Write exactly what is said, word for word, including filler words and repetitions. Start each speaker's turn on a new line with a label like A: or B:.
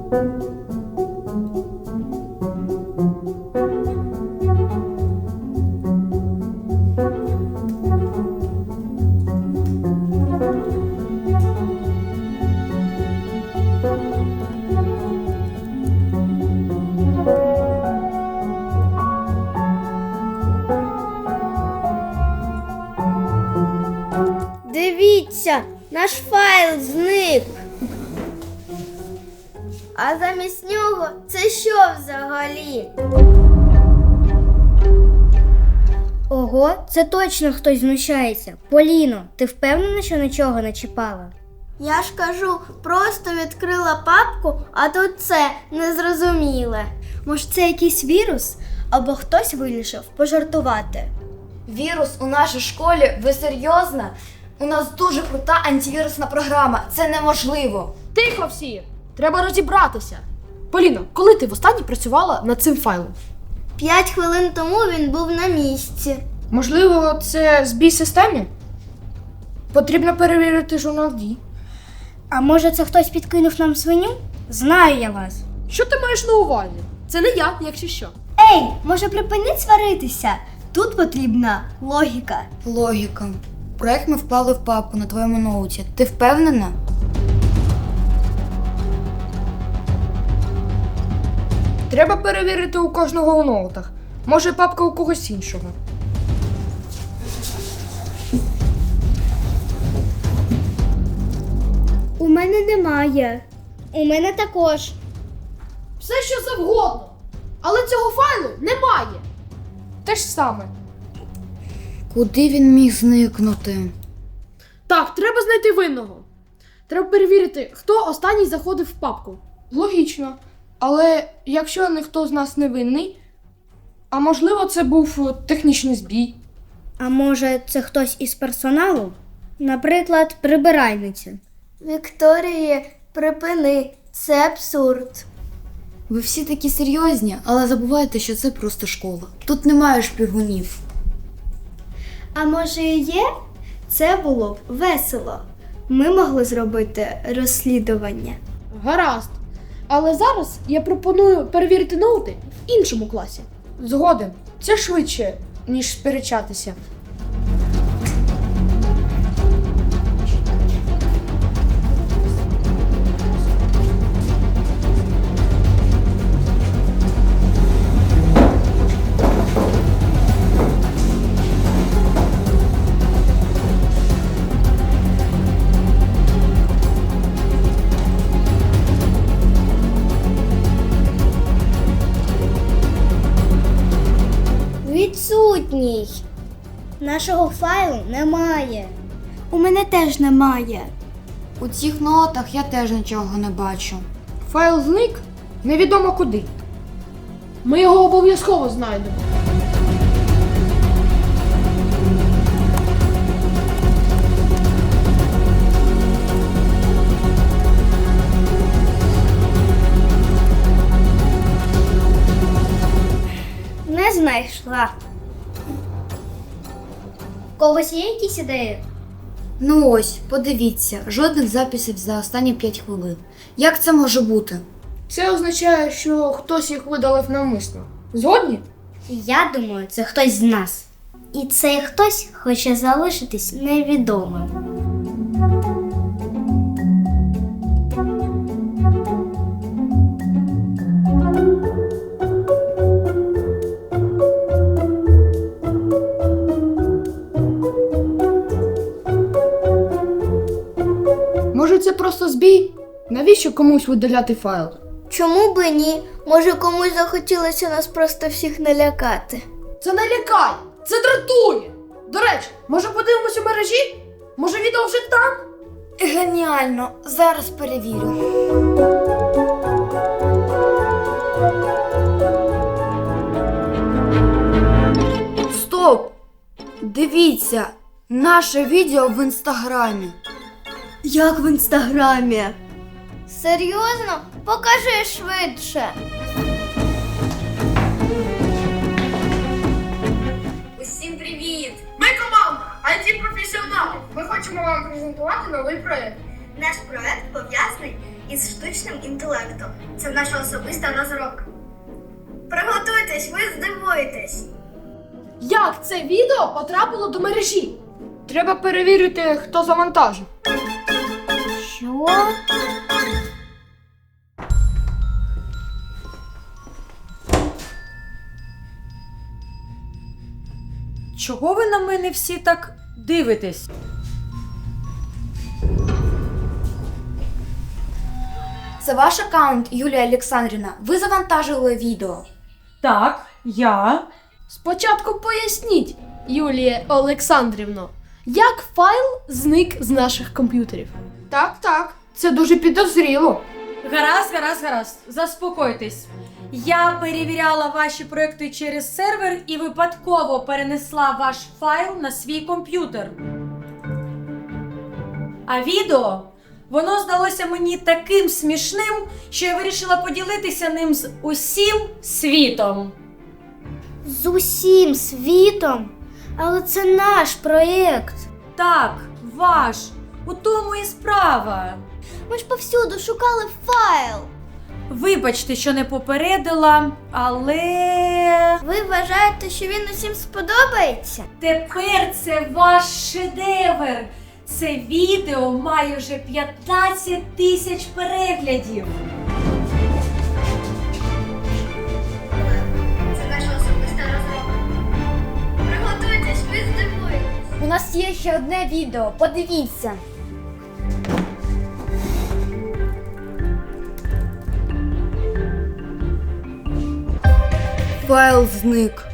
A: Дивіться, наш файл зник. А замість нього це що взагалі? Ого, це точно хтось знущається. Поліно, ти впевнена, що нічого не чіпала? Я ж кажу, просто відкрила папку, а тут це незрозуміле. Може, це якийсь вірус? Або хтось вирішив пожартувати.
B: Вірус у нашій школі? Ви серйозно? У нас дуже крута антивірусна програма. Це неможливо.
C: Тихо всі! Треба розібратися. Поліно, коли ти востаннє працювала над цим файлом?
A: П'ять хвилин тому він був на місці.
C: Можливо, це збій системи? Потрібно перевірити журнал дій.
A: А може це хтось підкинув нам свиню? Знаю я вас.
C: Що ти маєш на увазі? Це не я, якщо що.
A: Ей, може припиніть сваритися? Тут потрібна логіка.
B: Логіка. Проект ми вклали в папку на твоєму ноуті. Ти впевнена?
C: Треба перевірити у кожного у ноутах. Може, папка у когось іншого.
A: У мене немає. У мене також.
C: Все, що завгодно. Але цього файлу немає. Те ж саме.
B: Куди він міг зникнути?
C: Так, треба знайти винного. Треба перевірити, хто останній заходив в папку. Логічно. Але якщо ніхто з нас не винний, а можливо це був технічний збій.
A: А може це хтось із персоналу? Наприклад, прибиральниця. Вікторія, припини. Це абсурд.
B: Ви всі такі серйозні, але забувайте, що це просто школа. Тут немає шпигунів.
A: А може і є? Це було б весело. Ми могли зробити розслідування.
C: Гаразд. Але зараз я пропоную перевірити ноути в іншому класі. Згоден. Це швидше, ніж сперечатися.
A: Відсутній. Нашого файлу немає. У мене теж немає.
B: У цих нотах я теж нічого не бачу.
C: Файл зник невідомо куди. Ми його обов'язково знайдемо.
A: Не знайшла. У когось є якісь ідеї?
B: Ну ось, подивіться, жодних записів за останні п'ять хвилин. Як це може бути?
C: Це означає, що хтось їх видалив навмисно. Згодні?
A: Я думаю, це хтось з нас. І цей хтось хоче залишитись невідомим.
C: Може, це просто збій? Навіщо комусь видаляти файл?
A: Чому би ні? Може, комусь захотілося нас просто всіх налякати.
C: Це не лякає, це дратує. До речі, може подивимось у мережі? Може відео вже там?
B: Геніально, зараз перевірю. Стоп! Дивіться, наше відео в інстаграмі.
A: Як в інстаграмі? Серйозно? Покажи швидше.
C: Усім привіт! Ми команда ай ті-професіонали. Ми хочемо вам презентувати новий проєкт.
A: Наш проект пов'язаний із штучним інтелектом. Це наша особиста розробка. Приготуйтесь, ви здивуєтесь.
C: Як це відео потрапило до мережі? Треба перевірити, хто завантажив.
A: Що?
D: Чого ви на мене всі так дивитесь?
B: Це ваш аккаунт, Юлія Олександрівна. Ви завантажили відео.
D: Так, я.
C: Спочатку поясніть, Юлія Олександрівно, як файл зник з наших комп'ютерів? Так, так, це дуже підозріло.
D: Гаразд, гаразд, гаразд. Заспокойтесь. Я перевіряла ваші проекти через сервер і випадково перенесла ваш файл на свій комп'ютер. А відео, воно здалося мені таким смішним, що я вирішила поділитися ним з усім світом.
A: З усім світом? Але це наш проєкт.
D: Так, ваш. У тому і справа.
A: Ми ж повсюду шукали файл.
D: Вибачте, що не попередила, але
A: Ви вважаєте, що він усім сподобається?
D: тепер це ваш шедевр. Це відео має вже п'ятнадцять тисяч переглядів.
A: Це наша особиста розробка. Приготуйтесь, ви здивуєтесь.
B: У нас є ще одне відео, подивіться.
D: Файл зник.